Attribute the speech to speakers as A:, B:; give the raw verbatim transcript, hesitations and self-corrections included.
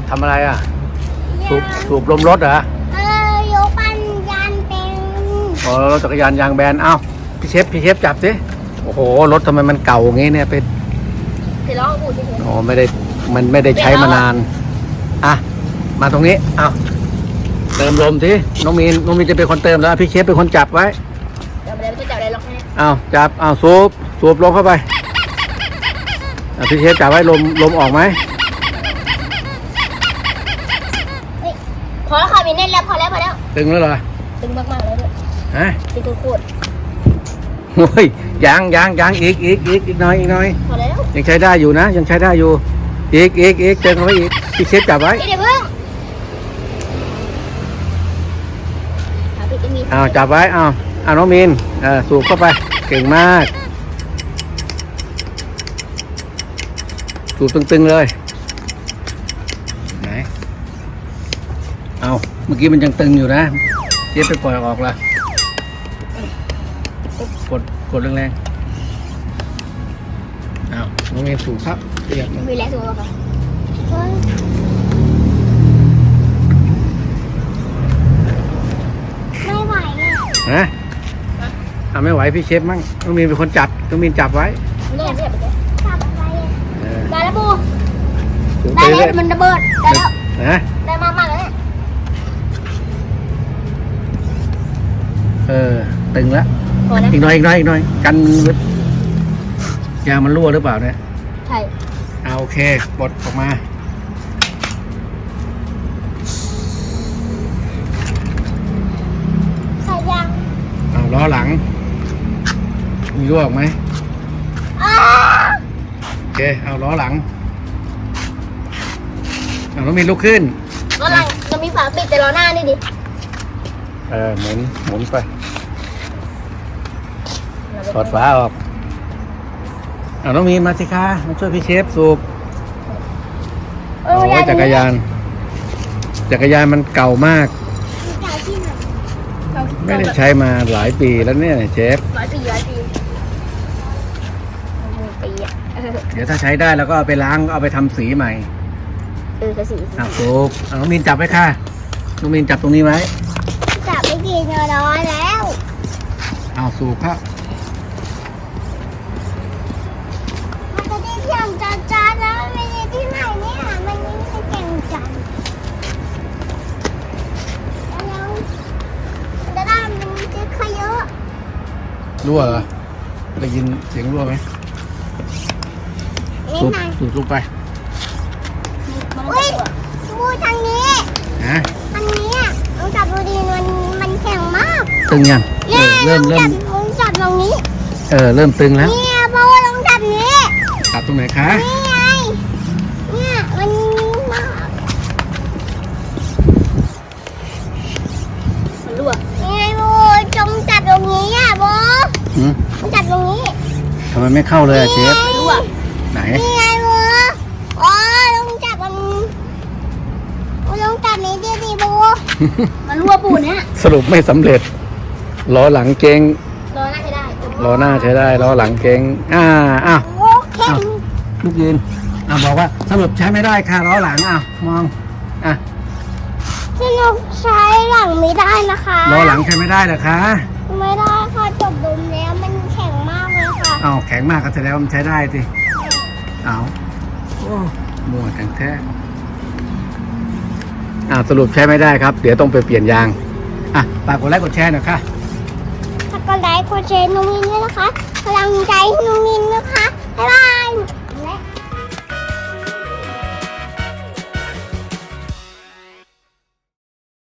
A: ทำอะไรอ่ะสูบสูบลมรถเหรอ
B: เออยกปันยานเป็น
A: อ๋อรถจักรยานยางแบนเอ้าพี่เชฟพี่เชฟจับสิโอ้โหรถทำไมมันเก่าอย่างงี้เนี่ยเป็น
B: เดี๋ยวลองอูดดิเถอะ
A: อ๋อไม่ได้มันไม่ได้ใช้มานานอ่ะมาตรงนี้เอ้าเติมลมสิน้องมีนน้องมีนจะเป็นคนเติมแล้วพี่เชฟเป็นคนจับไว้
B: เดี๋ยวไม่ได้ไม่จับอะไรหรอกแม่
A: เอ้าจับเอ้าสูบสูบลมเข้าไปอ่ะพี่เชฟจับไว้ลมลมออกไหม
B: พอแล้วค่ะมีแน่นแล้วพอแล้วพอแล้ว
A: ตึงแล้วเหรอ
B: ตึงมากๆเลยด้วย
A: ฮะ
B: ตึงโคตร
A: โอ้ยยังยังยังอีกอีกอีกอีกหน่อยอีกหน่อย
B: พอแล้ว
A: ยังใช้ได้อยู่นะยังใช้ได้อยู่อีกอีกอีกเติมเข้าไปอีกพี่เชฟจับไว้
B: เดี๋ยวเพิ่งหาผิดจะมี
A: อ้าวจับไว้อ้าวอ้าวน้องมีนเออสูบเข้าไปเก่งมากสูบตึงๆเลยไหนเอาเมื่อกี้มันยังตึงอยู่นะเชฟไปปล่อยออกละกดกดแรงๆอ้าวน้องมีนสูบครับเรียบ
B: มีแรงสูงกว่าค่ะไม่ไหวอ่ะ
A: ฮะอ่าไม่ไหวพี่เชฟมั่งน้องมีนเป็นคนจับน้องมีนจับไว้
B: ไม่ได้ไม่ได้ไม่ได้จับอะไรอ่ะ
A: เออ
B: ได้แล้วบู
A: สูบ
B: ได้
A: ไป
B: แล้
A: เรื่
B: ว
A: อย
B: มันระเบิดได้แล้ว
A: นะ
B: ได้มากมากๆแล้วเนี่ย
A: เออตึงแล้ว
B: พอนะ
A: อีกหน่อยอีกหน่อยอีกหน่อยกันยางมันรั่วหรือเปล่าเนี่ย
B: ใช่
A: เอาโอเคปลดออกมา
B: ใส่ยาง
A: เอาล้อหลังมีรั่วออกไหม
B: อ้า
A: โอเคเอาล้อหลังเอาต้องมีลุกขึ้น
B: ล้อหลังเรามีฝาปิดแต่ล้อหน้านี่ดิ
A: เออหมุนหมุนไปถอดฝาออกเอาน้องมีนมาสิคะมาช่วยพี่เชฟสูบ
B: เอ
A: โอ้
B: อย
A: จักรยานจักรยานมันเก่ามาก
B: จ่ายที่ไหน
A: ไม่ได้ใช้มาหลายปีแล้วเนี่ยเชฟ
B: ร้อยปีร้อยปีหนึ่งปีอ่ะเออ
A: เดี๋ยวถ้าใช้ได้แล้วก็เอาไปล้างเอาไปทำสีใหม่
B: เออสี
A: อ่ะสูบเอาน้องมีนจับไว้ค่ะน้องมีนจับตรงนี้ไว้
B: จับไม่กี่เงินร้อยแล้ว
A: เอาสูบครับ
B: มันจะได้เที่ยงจัดจ้าแล้วไม่ได้ที่ไหนเนี่ยมันไม่ได้เก่งจังแล้วจะได้มันจะขยะ
A: รั่วเหรอได้ยินเสียงรั่วไหม
B: นี่
A: สูบ
B: ไง
A: สูบลงไป
B: อุ้ยดูทางนี้
A: นะ
B: ทางนี้อ่ะลองจับดูดีมันมันแข็งมาก
A: ตึงยังเอ
B: เนี่ย
A: อเริ่ม
B: ล
A: เริ่
B: องจั
A: ม
B: บลองจับตรงนี้
A: เออเริ่มตึงแล้ว
B: เนี่ยเพราะว่าลองจับนี้
A: จับตรงไหนคะ
B: นี่ไงเนี่ยมันมากมันรั่วนี่ไงโบจงจับตรงนี้อ่ะโบ
A: หืม
B: จงจับตรงนี้
A: ทำไมไม่เข้าเลยอะเชฟ
B: รั่ว
A: ไหน
B: นี่ไงโบอ๋อลงจับมันลงจับนี้ดิดิโบมันรั่วปูนเนี่ย
A: สรุปไม่สำเร็จล้อหลังเก่ง
B: รอหน้าใช้ได้
A: ล้อหน้าใช้ได้ล้อหลังเก่งอ่าอ้าว
B: โอเค
A: ลูกยืนอ่าบอกว่าสรุปใช้ไม่ได้ค่ะล้อหลังอ่ะมองอ่ะ
B: สนุกใช้หลังไม่ได้นะคะ
A: ล้อหลังใช้ไม่ได้เหรอคะ
B: ไม่ได้ค่ะจบดมแล้วมันแข็งมากเลยค่ะ
A: เอาแข็งมากก็แสดงว่ามันใช้ได้สิเอาโอ้มั่วแข็งแท้อ่าสรุปใช้ไม่ได้ครับ เดี๋ยวต้องไปเปลี่ยนยางอ่ะฝากกดไลค์กดแชร์หน่อยค่ะ
B: ถ้ากดไลค์กดแชร์นุ่มินด้วยนะคะพลังใจนุ่มินนะคะบ๊ายบาย